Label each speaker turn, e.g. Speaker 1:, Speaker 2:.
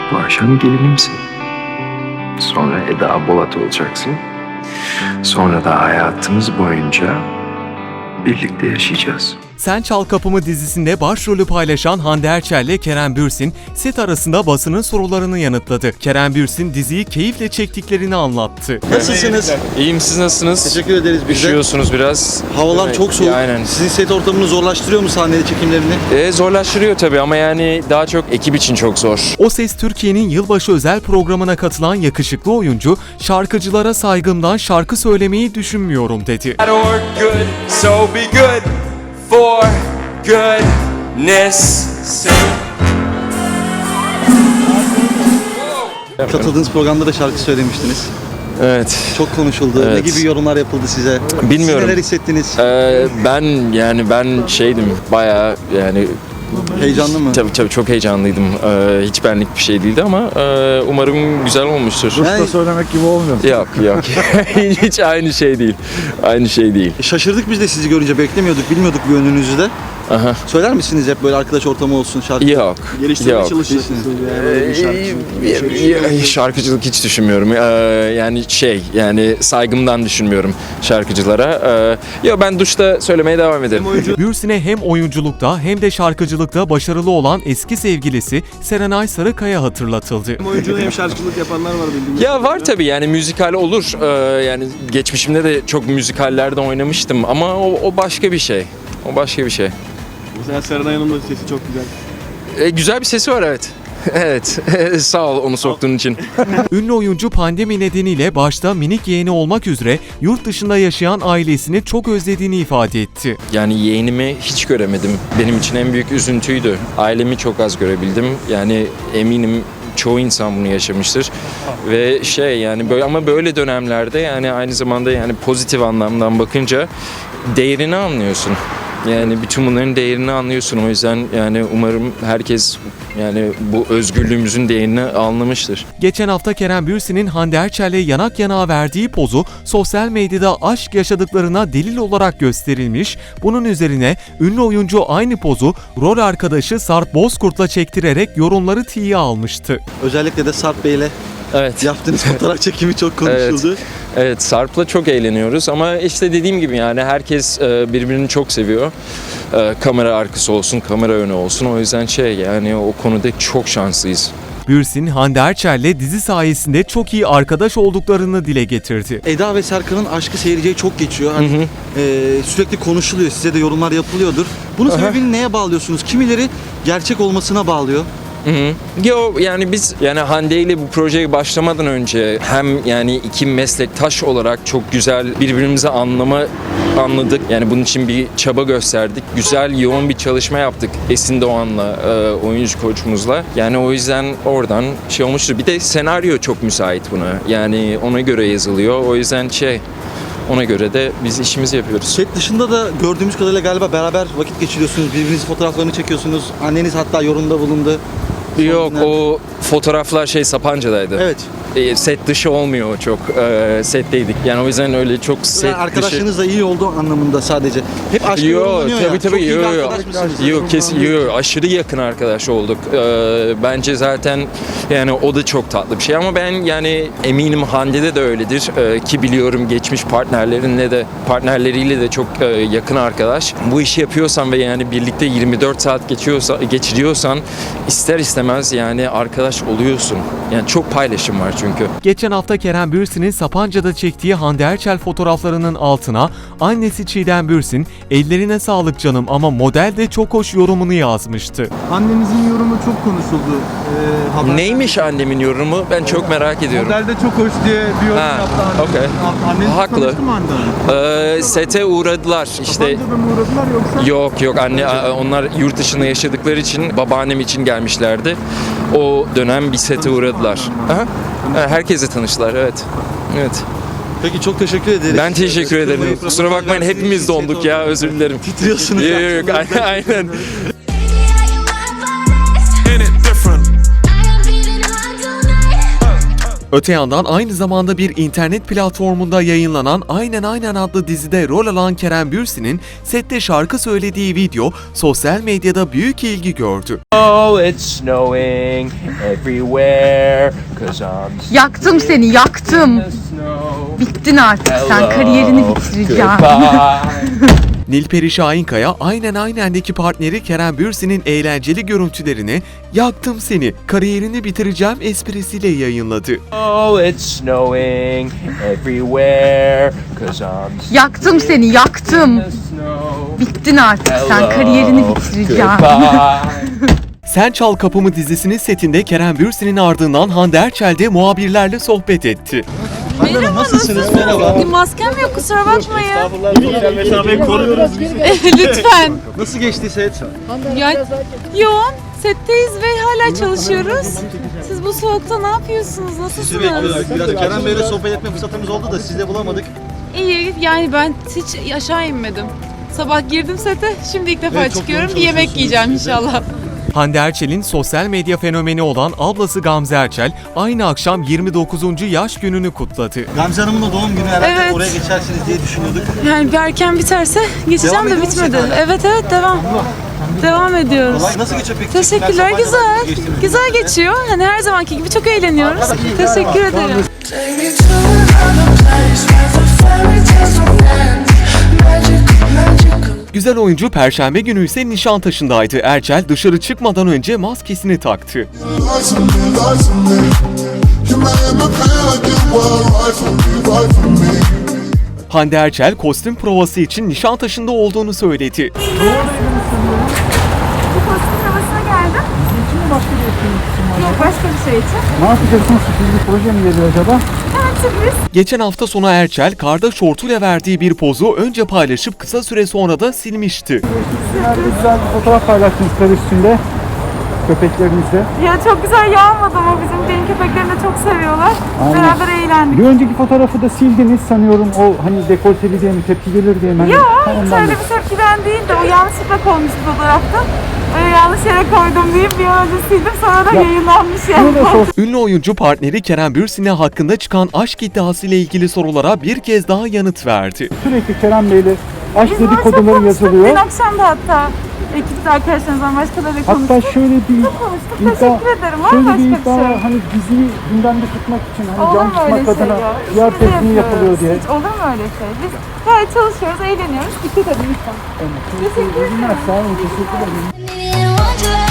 Speaker 1: Bu akşam gelinimsin. Sonra Eda Bolat olacaksın. Sonra da hayatımız boyunca birlikte yaşayacağız.
Speaker 2: Sen Çal Kapımı dizisinde başrolü paylaşan Hande Erçel ile Kerem Bürsin, set arasında basının sorularını yanıtladı. Kerem Bürsin diziyi keyifle çektiklerini anlattı.
Speaker 3: Nasılsınız?
Speaker 4: İyiyim, siz nasılsınız?
Speaker 3: Teşekkür ederiz biz de.
Speaker 4: Üşüyorsunuz biraz.
Speaker 3: Havalar çok soğuk.
Speaker 4: Aynen.
Speaker 3: Sizin set ortamını zorlaştırıyor mu sahnede çekimlerini?
Speaker 4: Zorlaştırıyor tabii ama yani daha çok ekip için çok zor.
Speaker 2: O Ses Türkiye'nin yılbaşı özel programına katılan yakışıklı oyuncu, şarkıcılara saygımdan şarkı söylemeyi düşünmüyorum dedi.
Speaker 5: So be good for goodness sake.
Speaker 3: Katıldığınız programda da şarkı söylemiştiniz.
Speaker 4: Evet.
Speaker 3: Çok konuşuldu.
Speaker 4: Evet.
Speaker 3: Ne gibi yorumlar yapıldı size?
Speaker 4: Bilmiyorum.
Speaker 3: Siz neler hissettiniz?
Speaker 4: Ben şeydim bayağı yani
Speaker 3: Heyecanlı mı?
Speaker 4: tabii çok heyecanlıydım. Hiç benlik bir şey değildi ama umarım güzel olmuştur.
Speaker 3: Yani
Speaker 6: Söylemek gibi olmuyor.
Speaker 4: Yok. Hiç aynı şey değil. Aynı şey değil.
Speaker 3: şaşırdık biz de sizi görünce, beklemiyorduk, bilmiyorduk bir yönünüzü de.
Speaker 4: Aha.
Speaker 3: Söyler misiniz hep böyle arkadaş ortamı olsun, şarkı?
Speaker 4: Yok. Yok.
Speaker 3: Değilsiniz.
Speaker 4: Şarkıcılık hiç düşünmüyorum. Yani saygımdan düşünmüyorum şarkıcılara. Ben duşta söylemeye devam ederim.
Speaker 2: Bürsin'e hem oyunculukta hem de şarkıcılıkta başarılı olan eski sevgilisi Serenay Sarıkaya hatırlatıldı.
Speaker 6: Hem oyunculuk hem şarkıcılık yapanlar var bildiğim.
Speaker 4: Ya var tabii yani müzikal olur. Yani geçmişimde de çok müzikallerde oynamıştım ama o başka bir şey. O başka bir şey.
Speaker 6: Mesela Serenay Hanım'ın da sesi çok güzel.
Speaker 4: Güzel bir sesi var evet. Evet. Sağ ol onu soktuğun için.
Speaker 2: Ünlü oyuncu pandemi nedeniyle başta minik yeğeni olmak üzere yurt dışında yaşayan ailesini çok özlediğini ifade etti.
Speaker 4: Yani yeğenimi hiç göremedim. Benim için en büyük üzüntüydü. Ailemi çok az görebildim. Yani eminim çoğu insan bunu yaşamıştır. Ve yani böyle dönemlerde yani aynı zamanda yani pozitif anlamdan bakınca değerini anlıyorsun. Yani bütün bunların değerini anlıyorsun. O yüzden yani umarım herkes yani bu özgürlüğümüzün değerini anlamıştır.
Speaker 2: Geçen hafta Kerem Bürsin'in Hande Erçel'le yanak yanağa verdiği pozu sosyal medyada aşk yaşadıklarına delil olarak gösterilmiş. Bunun üzerine ünlü oyuncu aynı pozu rol arkadaşı Sarp Bozkurt'la çektirerek yorumları tiye almıştı.
Speaker 3: Özellikle de Sarp Bey'le
Speaker 4: Evet.
Speaker 3: yaptığınız fotoğraf çekimi çok konuşuldu.
Speaker 4: Evet, Sarp'la çok eğleniyoruz ama işte dediğim gibi yani herkes birbirini çok seviyor. Kamera arkası olsun, kamera önü olsun. O yüzden yani o konuda çok şanslıyız.
Speaker 2: Bürsin, Hande Erçel'le dizi sayesinde çok iyi arkadaş olduklarını dile getirdi.
Speaker 3: Eda ve Serkan'ın aşkı seyirciye çok geçiyor. Hani, sürekli konuşuluyor, size de yorumlar yapılıyordur. Bunun sebebini neye bağlıyorsunuz? Kimileri gerçek olmasına bağlıyor.
Speaker 4: Yani biz yani Hande ile bu projeye başlamadan önce hem yani iki meslektaş olarak çok güzel birbirimizi anladık. Yani bunun için bir çaba gösterdik. Güzel, yoğun bir çalışma yaptık Esin Doğan'la, oyuncu koçumuzla. Yani o yüzden oradan olmuştur. Bir de senaryo çok müsait buna. Yani ona göre yazılıyor. O yüzden ona göre de biz işimizi yapıyoruz.
Speaker 3: Set dışında da gördüğümüz kadarıyla galiba beraber vakit geçiriyorsunuz. Birbirinizin fotoğraflarını çekiyorsunuz. Anneniz hatta yorumda bulundu.
Speaker 4: Yok, o fotoğraflar Sapanca'daydı.
Speaker 3: Evet.
Speaker 4: Set dışı olmuyor çok. Setteydik. Yani o yüzden öyle çok set dışı.
Speaker 3: Arkadaşlarınız da iyi oldu anlamında sadece. Hep aşk yorumlanıyor ya. Çok iyi bir arkadaş mısınız?
Speaker 4: Yok kesin aşırı yakın arkadaş olduk. Bence zaten yani o da çok tatlı bir şey ama ben yani eminim Hande'de de öyledir. Ki biliyorum geçmiş partnerleriyle de çok yakın arkadaş. Bu işi yapıyorsan ve yani birlikte 24 saat geçiriyorsan ister istemez yani arkadaş oluyorsun. Yani çok paylaşım var çünkü.
Speaker 2: Geçen hafta Kerem Bürsin'in Sapanca'da çektiği Hande Erçel fotoğraflarının altına annesi Çiğdem Bürsin, "Ellerine sağlık canım ama model de çok hoş" yorumunu yazmıştı.
Speaker 6: Annemizin yorumu çok konuşuldu.
Speaker 4: Neymiş annemin yorumu? Ben çok merak ediyorum.
Speaker 6: Modelde çok hoş diye bir yorum yaptı annem.
Speaker 4: okey.
Speaker 6: Anneniz
Speaker 4: Haklı.
Speaker 6: tanıştı mı Hande Hanım?
Speaker 4: Sete uğradılar işte.
Speaker 6: Sapanca'da mı uğradılar yoksa?
Speaker 4: Yok onlar yurt dışında yaşadıkları için babaannem için gelmişlerdi. O dönem bir sete uğradılar. Aha. Herkesle tanıştılar evet. Evet.
Speaker 3: Peki çok teşekkür ederiz.
Speaker 4: Ben teşekkür ederim. Kusura bakmayın hepimiz donduk ya özür dilerim.
Speaker 3: Titriyorsunuz.
Speaker 4: Yok aynen.
Speaker 2: Öte yandan aynı zamanda bir internet platformunda yayınlanan Aynen Aynen adlı dizide rol alan Kerem Bürsin'in sette şarkı söylediği video sosyal medyada büyük ilgi gördü.
Speaker 5: Oh, it's snowing everywhere 'cause I'm
Speaker 7: Yaktım seni, yaktım. Bittin artık sen, kariyerini bitireceğim.
Speaker 2: Nilperi Şahinkaya Aynen Aynen'deki partneri Kerem Bürsin'in eğlenceli görüntülerini "Yaktım seni, kariyerini bitireceğim" esprisiyle yayınladı.
Speaker 5: Oh, it's snowing everywhere 'cause I'm
Speaker 7: Yaktım seni, yaktım. Bittin artık sen, kariyerini bitireceğim.
Speaker 2: Sen Çal Kapımı dizisinin setinde Kerem Bürsin'in ardından Hande Erçel de muhabirlerle sohbet etti.
Speaker 3: Merhaba, nasılsınız? Merhaba.
Speaker 8: Maskem yok, kusura bakmayın.
Speaker 3: Mesafeyi koruyoruz.
Speaker 8: Lütfen.
Speaker 3: Nasıl geçti set?
Speaker 8: Ya, yoğun. Setteyiz ve hala çalışıyoruz. Siz bu soğukta ne yapıyorsunuz?
Speaker 3: Sizi
Speaker 8: Nasılsınız?
Speaker 3: bekliyoruz. Biraz Kerem Bey'le sohbet etme fırsatımız oldu da siz de bulamadık.
Speaker 8: İyi, yani ben hiç aşağı inmedim. Sabah girdim sete, şimdi ilk defa
Speaker 3: Evet, çok
Speaker 8: çıkıyorum.
Speaker 3: yoğun
Speaker 8: Bir yemek
Speaker 3: çalışıyorsunuz
Speaker 8: yiyeceğim
Speaker 3: siz de.
Speaker 8: inşallah.
Speaker 2: Hande Erçel'in sosyal medya fenomeni olan ablası Gamze Erçel aynı akşam 29. yaş gününü kutladı.
Speaker 3: Gamze Hanım'ın da doğum günü herhalde
Speaker 8: Evet.
Speaker 3: oraya geçersiniz diye düşünüyorduk.
Speaker 8: Yani bir erken biterse geçeceğim
Speaker 3: Devam
Speaker 8: de
Speaker 3: ediyor musun
Speaker 8: bitmedi.
Speaker 3: hala?
Speaker 8: Evet, devam. Devam ediyoruz.
Speaker 3: Kolay. Nasıl geçiyor peki?
Speaker 8: Teşekkürler,
Speaker 3: Çekimler,
Speaker 8: güzel.
Speaker 3: sahneler nasıl geçti?
Speaker 8: Güzel geçiyor. Hani her zamanki gibi çok eğleniyoruz. Teşekkür ederim.
Speaker 9: Take me to another place where the fairy tales don't end. Magical.
Speaker 2: Güzel oyuncu Perşembe günü ise Nişantaşı'ndaydı. Erçel dışarı çıkmadan önce maskesini taktı.
Speaker 9: Lie to me, lie to me. You made me feel like you were right for me, right for me.
Speaker 2: Hande Erçel kostüm provası için Nişantaşı'nda olduğunu söyledi.
Speaker 8: Bu kostüm provasına geldim.
Speaker 6: Bizim için mi başka bir etkinlik için mi?
Speaker 8: Yok, başka bir şey için.
Speaker 6: Ne yapacaksınız? Sürpriz bir proje mi geliyor acaba?
Speaker 8: Evet, sürpriz.
Speaker 2: Geçen hafta sonu Erçel karda şortuyla verdiği bir pozu önce paylaşıp kısa süre sonra da silmişti.
Speaker 6: Nerede güzel bir fotoğraf paylaştınız kar üstünde. Köpeklerinizle.
Speaker 8: Ya çok güzel yağmadı ama benim köpeklerini de çok seviyorlar.
Speaker 6: Aynen.
Speaker 8: Beraber eğlendik.
Speaker 6: Bir önceki fotoğrafı da sildiniz sanıyorum. O hani dekolteli diye mi, tepki gelir diye mi? Hani,
Speaker 8: Yok,
Speaker 6: ondan
Speaker 8: şöyle
Speaker 6: da-
Speaker 8: bir tepkiden değil de o yanlışlıkla konmuş fotoğrafta. Öyle yanlış yere koydum deyip bir an önce sildim, sonra da
Speaker 6: Ya,
Speaker 8: yayınlanmış
Speaker 6: Bunu
Speaker 8: yani.
Speaker 6: da sor.
Speaker 2: Ünlü oyuncu partneri Kerem Bürsin'e hakkında çıkan aşk iddiasıyla ilgili sorulara bir kez daha yanıt verdi.
Speaker 6: Sürekli Kerem Bey'le aşk
Speaker 8: Biz bunu çok
Speaker 6: dedikoduları
Speaker 8: konuştuk.
Speaker 6: yazılıyor.
Speaker 8: Dün akşam da hatta ekipte arkadaşlarımızdan başkalarıyla konuştuk.
Speaker 6: Hatta şöyle bir
Speaker 8: Çok konuştuk.
Speaker 6: iddia,
Speaker 8: Teşekkür ederim. Var
Speaker 6: şöyle
Speaker 8: başka
Speaker 6: bir
Speaker 8: bir
Speaker 6: iddia
Speaker 8: şey.
Speaker 6: var. Hani diziyi gündemde tutmak için, hani
Speaker 8: Olur
Speaker 6: can
Speaker 8: mu öyle
Speaker 6: tutmak
Speaker 8: şey
Speaker 6: adına
Speaker 8: ya?
Speaker 6: PR
Speaker 8: İşimizi
Speaker 6: tekniği yapılıyor
Speaker 8: yapıyoruz.
Speaker 6: diye.
Speaker 8: Hiç olur mu öyle şey? Biz gayet çalışıyoruz, eğleniyoruz. Dikkat edin lütfen. Teşekkür ederim.
Speaker 6: Sağ olun, teşekkür ederim.
Speaker 9: Wonderland.